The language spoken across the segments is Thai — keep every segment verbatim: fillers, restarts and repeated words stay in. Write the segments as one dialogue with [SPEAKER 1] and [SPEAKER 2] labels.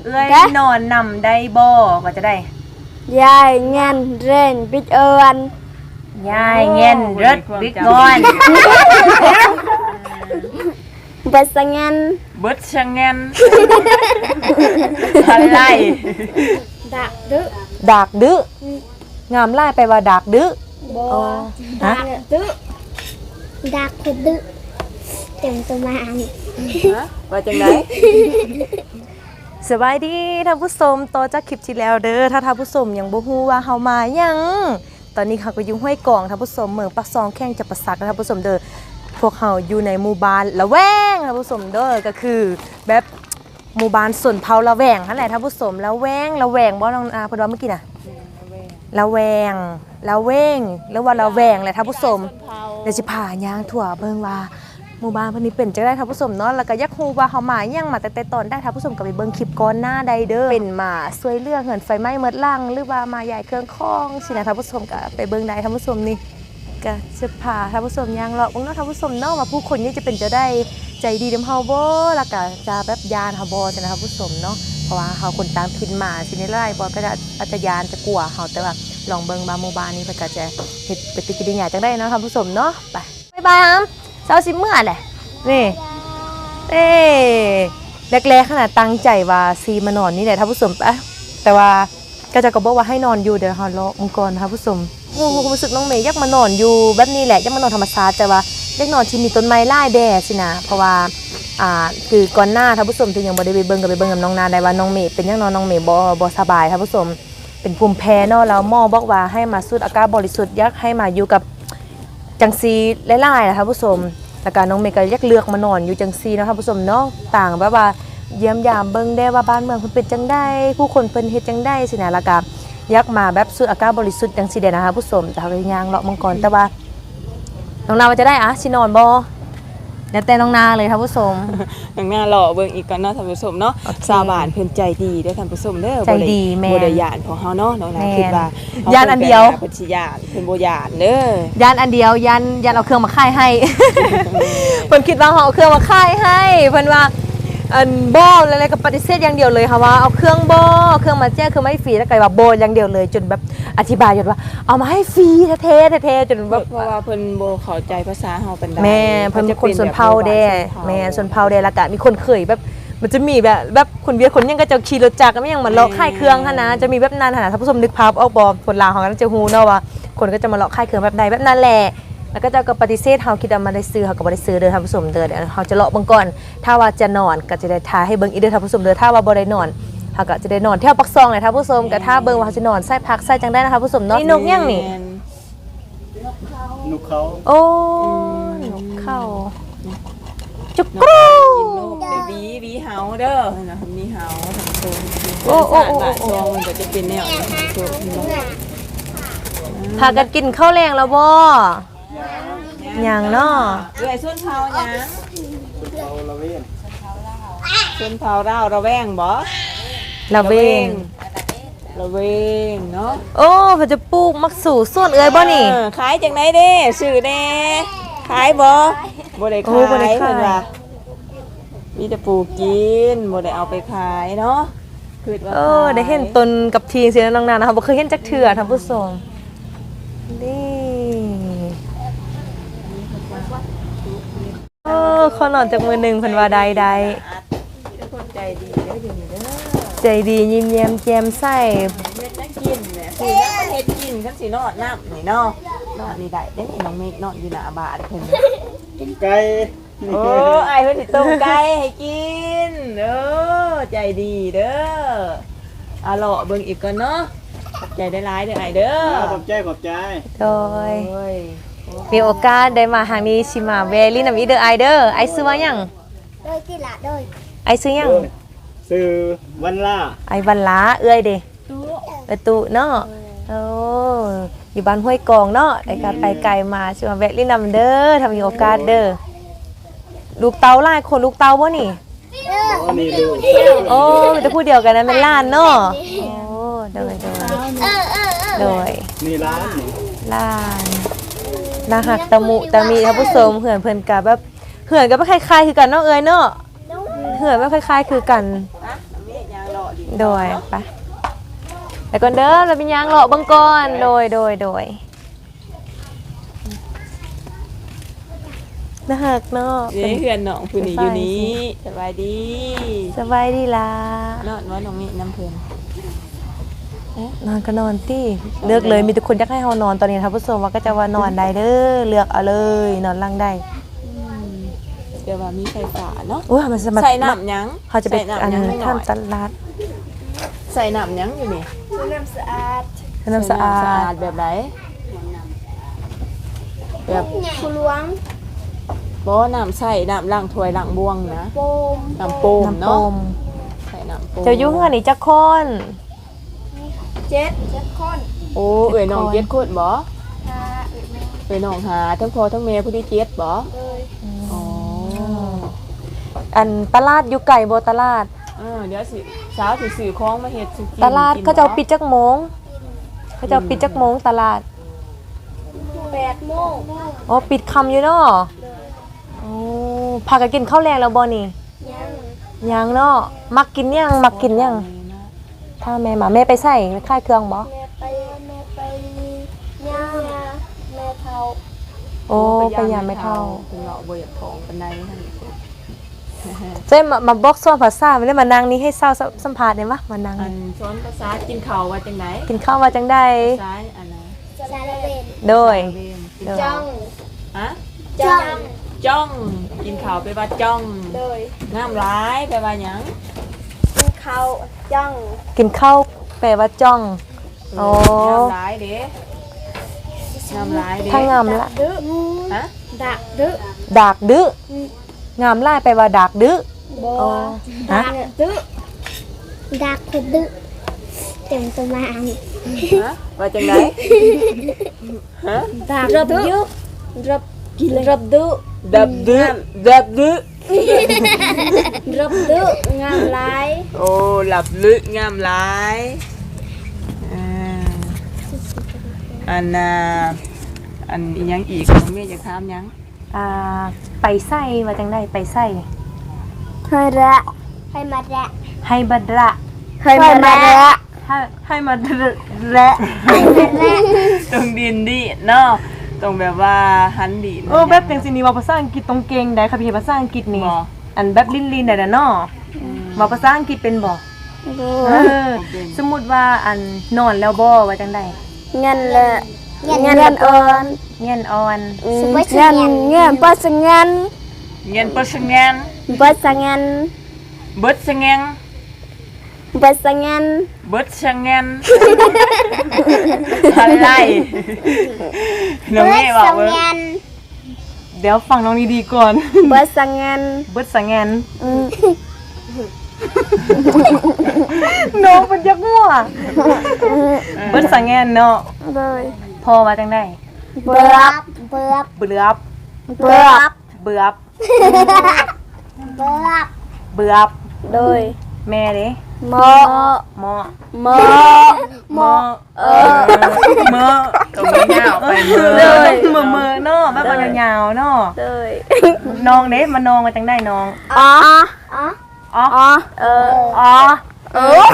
[SPEAKER 1] เอ้ยนอนนำได้บ่ก็จะได้
[SPEAKER 2] ยายเงินเรนปิดเอิน
[SPEAKER 1] ยายเงินรถบิ๊กงอน
[SPEAKER 2] เบิดสังเงิน
[SPEAKER 1] เบิดสังเงินอะไร
[SPEAKER 2] ดักดื้อ
[SPEAKER 1] ดักดื้องามไล่ไปว่าดักดื้อ
[SPEAKER 2] บ่ดักดื้อดักคือดื้อเต็มตัวมาอัน
[SPEAKER 1] ว่าจังไดสบายดีท่านผู้ชมต่อจากคลิปที่แล้วเด้อถ้าท่านผู้ชมยังบ่ฮู้ว่าเฮามายังตอนนี้เขาก็อยู่ห้วยกองท่านผู้ชมเมืองปักซองแข้งจะประสักท่านผู้ชมเด้อพวกเขาอยู่ในหมู่บ้านละแวงท่านผู้ชมเด้อก็คือแบบหมู่บ้านส่วนเผาละแวงนั่นแหละท่านผู้ชมละแวงละแวงบ่น้องอาเพิ่นว่าเมื่อกี้น่ะละแวงละแวงหรือว่าละแวงแหละท่านผู้ชมเดี๋ยวสิพาย่างทั่วเบิ่งว่าหมู่บ้านเพิ่นนี่เป็นจังได๋ท่านผู้ชมเนาะแล้วก็อยากฮู้ว่าเฮามายังมาแต่แต่ตอนได้ท่านผู้ชมก็ไปเบิ่งคลิปก่อนหน้าใดเด้อเป็นมาช่วยเรื่องเหินไฟไหม้หมดลังหรือว่ามาใหญ่เครื่องคองสินะท่านผู้ชมก็ไปเบิ่งได้ท่านผู้ชมนี่ก็จะพาท่านผู้ชมย่างเลาะเบิ่งเนาะท่านผู้ชมเนาะว่าผู้คนนี่จะเป็นจะได้ใจดีนำเฮาบ่แล้วก็จะแบบยานเฮาบ่สินะท่านผู้ชมเนาะเพราะว่าเฮาคนต่างถิ่นมาสินี่หลายบ่ก็อาจจะยานจะกลัวเฮาแต่ว่าลองเบิ่งมาหมู่บ้านนี้เพิ่นก็จะเฮ็ดปฏิกิริยาจังได๋เนาะท่านผู้ชมเนาะไปบ๊ายบายครับเช้าสิมื้อแหละนี่เอ๊แรกๆขนาดตั้งใจว่าซีมานอนนี่แหละท่านผู้ชมปะแต่ว่าก็จะก็บอกว่าให้นอนอยู่เดี๋ยวฮอลล์มังกรท่านผู้ชมโอ้ความรู้สึกน้องเมย์อยากมานอนอยู่แบบนี้แหละอยากมานอนธรรมชาติแต่ว่าอยากนอนที่มีต้นไม้ไล่แดดสินะเพราะว่าอ่าคือก่อนหน้าท่านผู้ชมที่ยังบ่ได้ไปเบิ่งกับไปเบิ่งกับน้องนาได้ว่าน้องเมย์เป็นยังนอนน้องเมย์บ่บ่สบายท่านผู้ชมเป็นภูมิแพ้เนาะแล้วหมอบอกว่าให้มาสูดอากาศบริสุทธิ์อยากให้มาอยู่กับจังซีหลายๆนะท่านผู้ชมแต่การน้องเมย์ก็อยากเลือกมานอนอยู่จังซีเนาะท่านผู้ชมเนาะต่างแบบว่าเยี่ยมยามเบิ่งได้ว่าบ้านเมืองเพิ่นเป็นจังได๋ผู้คนเพิ่นเฮ็ดจังได๋สินะแล้วก็อยากมาแบบสูดอากาศบริสุทธิ์จังซี่เด้นะคะผู้ชมแต่เฮาก็ย่างเลาะมังกรแต่ว่าน้องนาว่าจะได้อะสินอนบ่แล้วแต่น้องนาเลยท่านผู้ชม
[SPEAKER 3] น้องนาเลาะเบิ่งอีกก่อนเนาะท่านผู้ชมเนาะชาวบ้านเพิ่นใจดีเด้อท่านผู้ชมเด้อ
[SPEAKER 1] ใจดีแม่
[SPEAKER 3] บ่ได้ย่านของเฮาเนาะน้องนาคิดว่า
[SPEAKER 1] ย่านอันเดียว
[SPEAKER 3] เพิ่นสิย่านเพิ่นบ่ย่านเด้
[SPEAKER 1] อย่านอันเดียวย่านย่านเอาเครื่องมาค่ายให้เพิ่นคิดว่าเฮาเอาเครื่องมาค่ายให้เพิ่นว่าอันบ่อะไรก็ปฏิเสธอย่างเดียวเลยค่ะว่าเอาเครื่องบ่เครื่องมาแจ้งคือไม่ฟรีแล้วก็ว่าบ่อย่างเดียวเลยจนแบบอธิบายจนว่าเอามาให้ฟรีแท้ๆแท้ๆจนแบบ
[SPEAKER 3] เพราะว่าเพิ่นบ่เข้าใจภาษาเฮาปานใด
[SPEAKER 1] แม่เพิ่นคนชนเผ่าแด้แม่ชนเผ่าแด้แล้วก็มีคนเคยแบบมันจะมีแบบแบบคนเวียดคนยังก็จะขี่รถจักรก็ยังมาเลาะค่ายเครื่องหั่นนะจะมีแบบนั้นหั่นน่ะท่านผู้ชมนึกภาพออกบ่คนลาวเฮาก็จะฮู้เนาะว่าคนก็จะมาเลาะค่ายเครื่องแบบใดแบบนั้นแหละแล้วก็จะก็ปฏิเสธเฮาคิดว่ามาได้ซื้อเฮาก็บ่ได้ซื้อเด้อท่านผู้ชมเด้อเดี๋ยวเฮาจะเลาะเบิ่งก่อนถ้าว่าจะนอนก็จะได้ทาให้เบิ่งอีกเด้อท่านผู้ชมเด้อถ้าว่าบ่ได้นอนเฮาก็จะได้นอนแถวปักซองเลยท่านผู้ชมก็ถ้าเบิ่งว่าเฮาสินอนใส่พักใส่จังได้นะคะผู้ชมเนาะนี่นกยังนี่
[SPEAKER 4] นกเขา
[SPEAKER 1] โอ้นกเขาจุกกรู
[SPEAKER 3] กินนกได้บีบีเฮาเด้อนะมีเฮาท่านผู้ชม
[SPEAKER 1] โอ้โอ้โอ้
[SPEAKER 3] ซองมันก็จะเป็นแนวนี้ท่านผู้ชม
[SPEAKER 1] พากันกินข้าวแรงแล้วบ่ยังเนาะ
[SPEAKER 3] เอ้ยส้นเผาหยัง
[SPEAKER 4] เราละเว้น
[SPEAKER 3] ส้นเผาเราระแวงบ่
[SPEAKER 1] ระเวง
[SPEAKER 3] ระเวงเนาะ
[SPEAKER 1] โอ้เพิ่นจะปลูกมักสู่ส่วนเอ้ยบ่นี่
[SPEAKER 3] ขายจังได๋เด้ซื้อแน่ขายบ่บ่ได้ขายเพิ่นว่ามีแต่ปลูกกินบ่ได้เอาไปขายเนาะคิดว่า
[SPEAKER 1] เออได้เห็นต้นกับทีสิน้องๆนะคะบ่เคยเห็นจักเทื่อท่านผู้ชมนี่เออขอนอนจากมือหนึ่งเพิ่นว่าใดใด
[SPEAKER 3] ใจดีเด้ออยู่นี่เด้อ
[SPEAKER 1] ใจดียิ้มแย้มแจ่มใส
[SPEAKER 3] เฮ็ดจังกินแหละคือยังบ่เฮ็ดกินคันสินอนน้ำนี่เนาะนอนนี่ได้เด้น้องเมฆนอนอยู่หน้าบ้านเพิ่น
[SPEAKER 4] ต้มไก่
[SPEAKER 3] โอ้อ้ายเพิ่นสิต้มไก่ให้กินเด้อใจดีเด้ออะเลาะเบิ่งอีกก่อนเนาะขอบใจได้หลายเด้ออ้ายเด้อ
[SPEAKER 4] ขอบใจขอบใจ
[SPEAKER 1] โดยมีโอกาสได้มาทางนี้สิมาแวลินนำอีเด้อไอเด้อไอซื้อว่าหยัง
[SPEAKER 2] โดยติละโดย
[SPEAKER 1] ไอซื้อหยัง
[SPEAKER 4] ซื้อวันล่า
[SPEAKER 1] ไอวันล้าเอ้ยเด้ตู้เออตู้เนาะโอ้อยู่บ้านห้วยกองเนาะไอ้ก็ไปไกลมาสิมาแวะลินนำเด้อถ้ามีโอกาสเด้อลูกเต้าหลายคนลูกเต้าบ่นี่
[SPEAKER 4] นี่ดู
[SPEAKER 1] โอ้มันจะพูดเดียวกันนะเป็นล้านเนาะโอ้โดยโดยโดย
[SPEAKER 4] นี่ร้าน
[SPEAKER 1] ล้านนาหักตะมุตะมีท่านผู้ชมเหือนเพิ่นกะแบบเหือนก็บ่คล้ายๆคือกันเนาะเอ้ยเนาะเหือนบ่คล้ายๆคือกัน
[SPEAKER 3] ดิน
[SPEAKER 1] โดยไปแล้วก่อนเด้อเราเป็นยังเลาะเบิ่งก่อนโดยโดยโดยน่าฮักเนาะ
[SPEAKER 3] เด้เพื่อนน้องผู้นี้อยู่นี้สบายดี
[SPEAKER 1] สบายดีล่ะ
[SPEAKER 3] นอนว่าน้องนี่น้ำเพิ่น
[SPEAKER 1] นอนก็นอนติเลือกเลยมีทุกคนอยากให้เฮานอนตอนนี้ท่านผู้ชมว่าก็จะว่านอนได้เด้อเลือกเอาเลยนอนหลังได้
[SPEAKER 3] เดี๋ยวว่ามีไฟฟ้าเนาะ
[SPEAKER 1] โอ้ยมันสมัคร
[SPEAKER 3] ใส่น้ำหยัง
[SPEAKER 1] เขาจะไป
[SPEAKER 3] ใส่น้ำ
[SPEAKER 1] อัน
[SPEAKER 3] หยังไม่หน่อย
[SPEAKER 1] ทำตลาด
[SPEAKER 3] ใส่น้ำหยังอยู่นี่
[SPEAKER 2] น้ำสะอาด
[SPEAKER 1] น้ำสะอา
[SPEAKER 3] ใส่น้ำสะอา
[SPEAKER 1] ด
[SPEAKER 3] ดแบบไหนแบบ
[SPEAKER 2] ผู้หลวง
[SPEAKER 3] บ่น้ำใส่น้ำล้างถ้วยล้างบวงนะ
[SPEAKER 2] โปม
[SPEAKER 3] น้ำโปม
[SPEAKER 1] น้ำป
[SPEAKER 3] เนาะ
[SPEAKER 1] ม
[SPEAKER 3] ใส่น้ำโปม
[SPEAKER 1] เจ้ายุ่งอันนี้จักคน
[SPEAKER 2] เจ็ดเจ็ดคน
[SPEAKER 3] โอ้เอ้ยน้องเจ็ดคนบ่
[SPEAKER 2] หาอีกแม่
[SPEAKER 3] เอ้ยน้องหาทั้งพ่อทั้งแม่ผู้ที่เจ็ดบ่
[SPEAKER 2] เลย
[SPEAKER 3] อ๋อ
[SPEAKER 1] อันตลาดอยู่ไก่โบตลาด
[SPEAKER 3] เออเดี๋ยวสิสาวสิซื้อของมาเฮ็ดสิกิน
[SPEAKER 1] ตลาด
[SPEAKER 3] กิน
[SPEAKER 1] เขาจะเอา
[SPEAKER 3] บ่
[SPEAKER 1] ปิดจักโมงเขาจะเอาปิดจักโมงตลาด
[SPEAKER 2] แปดโมง
[SPEAKER 1] อ๋อปิดคำอยู่เนาะโอ้พากันกินข้าวแรงแล้วบ่นี่
[SPEAKER 2] ยัง
[SPEAKER 1] ยังเนาะมักกินยังมักกินยังถ้าแม่มาแม่ไปใส่ค่ายเครื่องบ่
[SPEAKER 2] แม่ไปแม่ไปย่าแม่เฒ่า
[SPEAKER 1] โอ้ไปยามไม่เท่า
[SPEAKER 3] คุณเราบ่อยากท้องปานใดท่านผู้ชม
[SPEAKER 1] เจ้มามาบอกซ้อนภาษาไม่ได้มานั่งนี่ให้เศร้าสัมภาษณ์ได้มะมานั่ง
[SPEAKER 3] อันสอนภาษากินข้าวว่าจังได๋
[SPEAKER 1] กินข้าวว่าจังได้
[SPEAKER 3] ภาษาอันน่ะ
[SPEAKER 2] สารเวน
[SPEAKER 1] โดย
[SPEAKER 3] เวนกิน
[SPEAKER 1] โดย
[SPEAKER 2] จ้อง
[SPEAKER 3] ฮะ
[SPEAKER 2] จ้อง
[SPEAKER 3] จ้องกินข้าวไปว่าจ้อง
[SPEAKER 2] โดย
[SPEAKER 3] น้ำร้ายไปว่าหยัง
[SPEAKER 2] กินข้าวจ้อง
[SPEAKER 1] กินข้าวแปลว่าจ้องโอ้
[SPEAKER 3] น้ำร้ายเด้น้ำร้ายเด้
[SPEAKER 1] ถ้างามละ
[SPEAKER 2] ดื้อ
[SPEAKER 3] ฮะ
[SPEAKER 2] ดักดื้อ
[SPEAKER 1] ดากดื้อ งามล่ายไปว่าดากดื้อ
[SPEAKER 2] บ่
[SPEAKER 1] อ๋อฮะ
[SPEAKER 2] ดักดื้อดักคนดื้อเต็มตัวมา
[SPEAKER 3] ฮะว่าจังไดฮะ
[SPEAKER 2] ดักดื้อรับกินรับดื้อ
[SPEAKER 3] ดับดื้อดับดื้อ
[SPEAKER 2] รับดื้องามหลาย
[SPEAKER 3] โอ้หลับลึกงามหลายอ่าอันน่ะอันอีหยังอีกน้องเมย์จะถามหยัง
[SPEAKER 1] อ่าไปใส่ว่าจังได้ไปใส่
[SPEAKER 2] ให้ระให้มาระ
[SPEAKER 1] ให้บัดระ
[SPEAKER 2] ให้มาระ
[SPEAKER 1] ให้ให้มาระ
[SPEAKER 3] ตรงดินดิเนาะตรงแบบว่าหันดิน
[SPEAKER 1] โอ้แบบเป็นสินี่ว่าภาษาอังกฤษตรงเก่งได้ค่ะพี่ภาษาอังกฤษนี่
[SPEAKER 3] บ่
[SPEAKER 1] อันแบบลิ้นลินได้เนาะว่าภาษาอังกฤษเป็นบ่เออสมมุติว่าอันนอนแล้วบ่ว่าจังได๋
[SPEAKER 2] เงินละเงินเงินอ่อน
[SPEAKER 1] เงียนอ่อน
[SPEAKER 2] เงินเงินปัสเงิน
[SPEAKER 3] เงินเปอร์เซ็นต์เงน
[SPEAKER 2] ปัสเงิน
[SPEAKER 3] เบิดซะเงน
[SPEAKER 2] ปัสเงิน
[SPEAKER 3] เบิดซะเงนอะไรน้องเมย์บอกว่า
[SPEAKER 1] เดี๋ยวฟังน้องดีๆก่อน
[SPEAKER 2] ปัสเงิน
[SPEAKER 1] เบิดสังแงนน้องมันยักมั่วเบิดสังแงนเนาะ
[SPEAKER 2] เลย
[SPEAKER 1] พอว่าจังได๋
[SPEAKER 2] เบือบเบือบ
[SPEAKER 1] เบือบ
[SPEAKER 2] เบือบ
[SPEAKER 1] เบือบ
[SPEAKER 2] เบือบ
[SPEAKER 1] เบือบ
[SPEAKER 2] โดย
[SPEAKER 1] แม่เด้
[SPEAKER 2] หมอ
[SPEAKER 1] หมอ
[SPEAKER 2] หมอ
[SPEAKER 1] หมอ
[SPEAKER 2] เออ
[SPEAKER 3] เมื่อตรงนี้ยาวไปเมื่อ
[SPEAKER 1] เลยมือมือเนาะแบบว่ายาวๆเนาะ
[SPEAKER 2] เลย
[SPEAKER 1] น้องเด้มาน้องมาจังได้น้อง
[SPEAKER 2] อ๋ออ๋อ
[SPEAKER 1] อ๋อ
[SPEAKER 2] อ๋อเออ
[SPEAKER 1] อ๋อ
[SPEAKER 2] เออ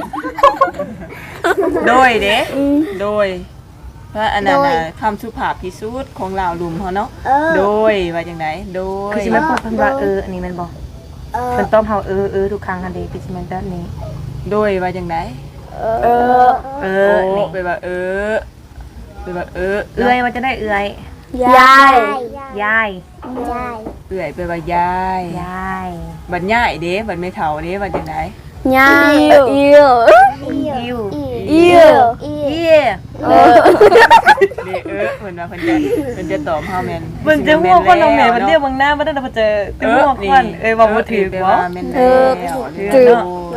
[SPEAKER 3] โดยเด้โดยพระอนันต์น่ะคำสุภาพที่สุดของเราลุมเขาเนาะ
[SPEAKER 2] เออ
[SPEAKER 3] โดยว่าจังไดโดย
[SPEAKER 1] คือสิแม่นพูดเพิ่นว่าเอออันนี้แม่นบ่
[SPEAKER 2] เออ
[SPEAKER 1] เพิ่นตอบเฮาเออเออทุกครั้งอันเด้คือสิแม่นแบบนี้
[SPEAKER 3] โดยว่าจังได
[SPEAKER 2] เออ
[SPEAKER 1] เอ
[SPEAKER 3] เอ
[SPEAKER 1] อ
[SPEAKER 3] อ
[SPEAKER 1] นี่
[SPEAKER 3] ไปว่าเออไปว่าเออ
[SPEAKER 1] เอื้อยว่าจะได้เอื้อย
[SPEAKER 2] ยาย
[SPEAKER 1] ยาย
[SPEAKER 2] ยาย
[SPEAKER 3] เอื่อยไปว่ายาย
[SPEAKER 1] ยาย
[SPEAKER 3] บัดย่ายเด้บัดไม่เฒ่าเด้ว่าจังได
[SPEAKER 2] ยายอิว
[SPEAKER 1] อิว
[SPEAKER 2] อิว
[SPEAKER 1] เอี
[SPEAKER 2] เออ
[SPEAKER 3] เด้เออเพิ่นว่าเพิ่นจะเพิ่นจะตอบเฮาแม่น
[SPEAKER 1] เบิ่งจะหัวคนน้องแม่มันเรียกเบิ่งหน้าบ่ได้เพิ่นจะจะหัวคนเอ้ยว่าบ่ถือบ่
[SPEAKER 3] แม่นแล้ว
[SPEAKER 2] ถือ
[SPEAKER 3] เนาะ
[SPEAKER 2] เลย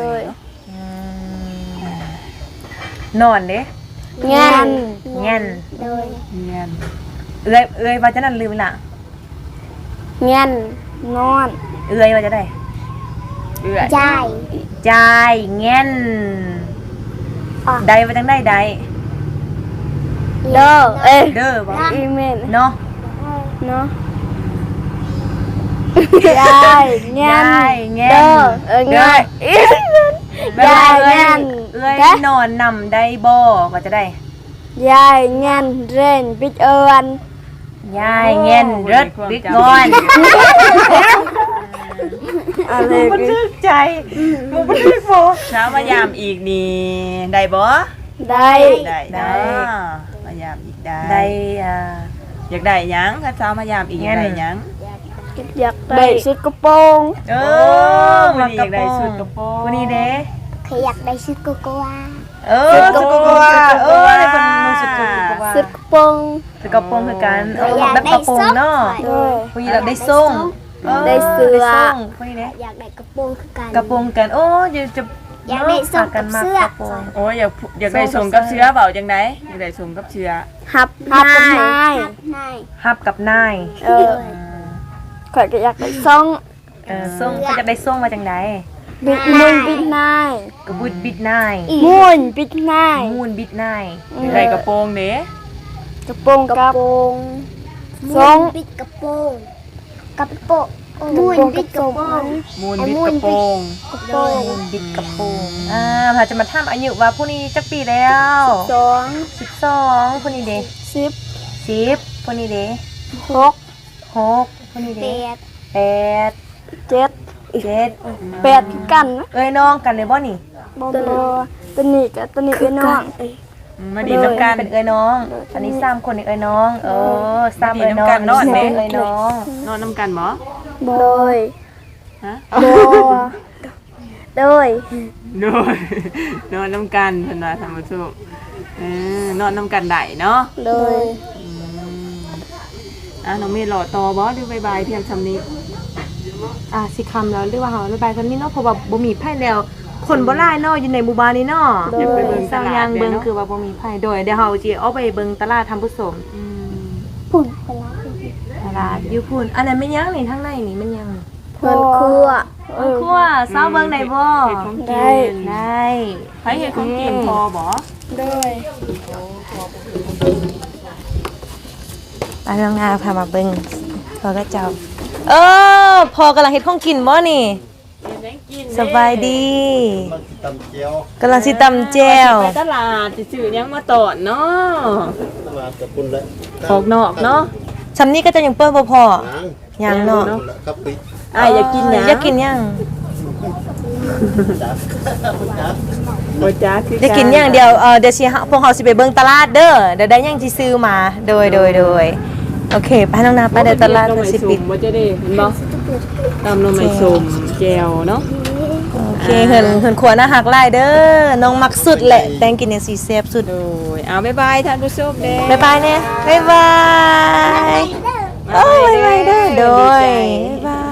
[SPEAKER 1] นอนเด้
[SPEAKER 2] เงิน
[SPEAKER 1] เงี้ยน
[SPEAKER 2] โดย
[SPEAKER 3] เงี้ย
[SPEAKER 1] เอื้อยเอื้อยว่าจะนั่นลืมละ
[SPEAKER 2] เงินนอน
[SPEAKER 1] เอื้อยว่าจะได้
[SPEAKER 3] เอื่อย
[SPEAKER 2] ยาย
[SPEAKER 1] จายเงี้ยนได้ว่าจังได้ได้
[SPEAKER 2] โลเอ้ย
[SPEAKER 1] เด้อบ่
[SPEAKER 2] อีเมน
[SPEAKER 1] เนาะ
[SPEAKER 2] เนาะยายเงิ
[SPEAKER 1] ยาน ยเงี้ย
[SPEAKER 2] เด้อน เออเงิน
[SPEAKER 1] แบบว่าเอ้ย
[SPEAKER 2] ยายงั้น
[SPEAKER 1] เอ้ย
[SPEAKER 2] เด้
[SPEAKER 1] นอนนำได้บ่ก็จะได้
[SPEAKER 2] ยายเงินเรนบิดเอิญ
[SPEAKER 1] ยายเงินรถบิ๊กงอน
[SPEAKER 2] อะไร
[SPEAKER 1] มึงบันทึกใจมึงบันทึกบ่
[SPEAKER 3] เช้ามายามอีกนี่ได้บ่
[SPEAKER 2] ได้
[SPEAKER 3] ได้
[SPEAKER 1] ได้
[SPEAKER 3] ได้มายามอีกได้
[SPEAKER 1] ได้อ่า
[SPEAKER 3] อยากได้หยังถ้าเช้ามายามอีกอยากได้หยัง
[SPEAKER 2] อยากได้ชุดกระโปรง
[SPEAKER 3] เออวันนี้อยากได้ชุดกระโปรง
[SPEAKER 1] วันนี้เด้
[SPEAKER 2] เคยอยากได้ชุดโกโกวา
[SPEAKER 1] เออสุดกว่าเออในคนมึงสุดกว่า
[SPEAKER 2] ชุดกระโปรง
[SPEAKER 1] สุดกระโปรงคือกันเออแบบกระโปรงเนาะ
[SPEAKER 2] เออ
[SPEAKER 1] ผู้หญิงเราได้ส่ง
[SPEAKER 2] ได้เสื้อ
[SPEAKER 1] ได้ส่งผู้หญิงเด้
[SPEAKER 2] อยากได้กระโปรงคือกัน
[SPEAKER 1] กระโปรงกันโอ้ยจะ
[SPEAKER 2] อยากได้ส่งกับเสื้อ
[SPEAKER 1] กระโปรง
[SPEAKER 3] โอ้ยอยากอยากได้ส่งกับเชื้อเปล่าจังไดอยากได้ส่งกับเชื้อ
[SPEAKER 2] ฮับฮับกับนาย
[SPEAKER 1] ฮับกับนาย
[SPEAKER 2] เออข่อยก็อยากได้ส่ง
[SPEAKER 1] เออส่งเขาจะได้ส่งมาจังได
[SPEAKER 2] บิดมุนบิดนาย
[SPEAKER 1] กระบุดบิดนาย
[SPEAKER 2] มุนบิดนาย
[SPEAKER 1] มูนบิดนาย
[SPEAKER 3] อยากได้กระโปรงเด้
[SPEAKER 2] กระโปรงกระโปรงส่งบิดกระโปรงกระโปรงมุนบิดกระโปรง
[SPEAKER 3] มูลบิดกระโปรง
[SPEAKER 2] กระโปรง
[SPEAKER 1] มูนบิดกระโปรงอ่าพาจะมาถามอายุว่าผู้นี้จักปีแล้ว
[SPEAKER 2] สอง
[SPEAKER 1] สิบสองผู้นี้เด้
[SPEAKER 2] สิบ
[SPEAKER 1] สิบผู้นี้เด้
[SPEAKER 2] หก
[SPEAKER 1] หกผู้นี้
[SPEAKER 2] แป
[SPEAKER 1] เด้
[SPEAKER 2] ด
[SPEAKER 1] แปด
[SPEAKER 2] เจ็ด
[SPEAKER 1] เจ็ด
[SPEAKER 2] แปดคือกันนะ
[SPEAKER 1] เอ้ยน้องกันเลยบ่นี่
[SPEAKER 2] บอบตัวนี้กับตัวนี้เป็นน้อง
[SPEAKER 3] มาดีน้ำกัน
[SPEAKER 1] เป็นเอ้ยน้อง อันนี้สามคนนี่เอ้ยน้อง เออสาม
[SPEAKER 3] ดี
[SPEAKER 1] เอ้ยน้อง
[SPEAKER 3] น้ำกันเนาะ
[SPEAKER 1] อั
[SPEAKER 3] เด้
[SPEAKER 1] เอ้ยน้อง
[SPEAKER 3] นอนน้ำกันบ่
[SPEAKER 2] โดย
[SPEAKER 3] ฮะ
[SPEAKER 2] โดยโดย
[SPEAKER 3] โดยนอนน้ำกันเพิ่นว่าท่านผู้ชมเออนอนน้ำกันได้เนาะ
[SPEAKER 2] โดย
[SPEAKER 3] อืมอ่ะน้องเมย์หล่อต่อบ่หรือบายบายเพียงซำนี้
[SPEAKER 1] อ่ะสิคำแล้วเรียกว่าเฮาระบายกันนี่เนาะเพราะว่าบ่มีไผแล้ว คนบ่หลายเนาะอยู่ในหมู่บ้านนี้เนาะ
[SPEAKER 3] อยากไปเบิ่งต
[SPEAKER 1] สร้าง
[SPEAKER 3] ลาด
[SPEAKER 1] ยางเบิ่ง
[SPEAKER 3] ด้
[SPEAKER 1] คือว่าบ่มีไผโดยเดี๋ยวเฮาสิเอาไปเบิ่งตลาดทำผู้สม
[SPEAKER 3] อืม
[SPEAKER 2] พุ่นไปแล้ว
[SPEAKER 1] ตลาดอยู่พุ่นอันนั้นแม่นยังนี่ทางในนี่แม่นยัง
[SPEAKER 2] เพื่อนครัว
[SPEAKER 1] เออครัวสาวเบิ่งได้บ่
[SPEAKER 3] เฮ็ดของ
[SPEAKER 2] ได้
[SPEAKER 3] กิน
[SPEAKER 1] ได้
[SPEAKER 3] ใครเฮ็ดของกินพอบ่
[SPEAKER 2] โดย
[SPEAKER 1] อันน้องนาพามาเบิ่งพอก็เจ้า เออพอกำลังเฮ็ดของกินบ่นี่
[SPEAKER 3] เฮ็ดหยังกิน
[SPEAKER 1] สบายดี
[SPEAKER 4] มันตำเจียว
[SPEAKER 1] กำลังสิตำแจ่ว
[SPEAKER 3] ไปตลาดสิซื้อหยังมาตอนเนาะ
[SPEAKER 4] มากับคุณเลย
[SPEAKER 3] ออกนอกเนาะ
[SPEAKER 1] ซำนี้ก็จะยังเปิ้นบ่พอ
[SPEAKER 4] หนัง
[SPEAKER 1] ยังเนาะ
[SPEAKER 4] ครับปิ
[SPEAKER 3] อ้ายอยากกินหยัง
[SPEAKER 1] อยากกินยัง
[SPEAKER 3] บ่จ้าคือ
[SPEAKER 1] อยากกินยังเดี๋ยวเออเดี๋ยวสิหาพวกเฮาสิไปเบิ่งตลาดเด้อเดี๋ยวได้ยังสิซื้อมาโดยโดยโดยโอเคไปน้องนาไปเดี๋ยวตลาด
[SPEAKER 3] น้อง
[SPEAKER 1] เพิ่น
[SPEAKER 3] ไม้
[SPEAKER 1] สิ
[SPEAKER 3] สุ่
[SPEAKER 1] ปิด
[SPEAKER 3] มบ่จะได้เห็นบ่ตำน้องไม้สุ่มแจ่วเนาะ
[SPEAKER 1] โอเคเหินเหินขวหน้าหักหลายเด้อน้องมักสุดแหละแตงกินเนี่ยสิแซ่บสุด
[SPEAKER 3] โดยเอาบ๊ายบายท่านผู้ชมเด้
[SPEAKER 1] บ๊ายบายเนี่ยบ๊ายบายโอ้ยบ๊ายบายเด้อโดยบ๊ายบา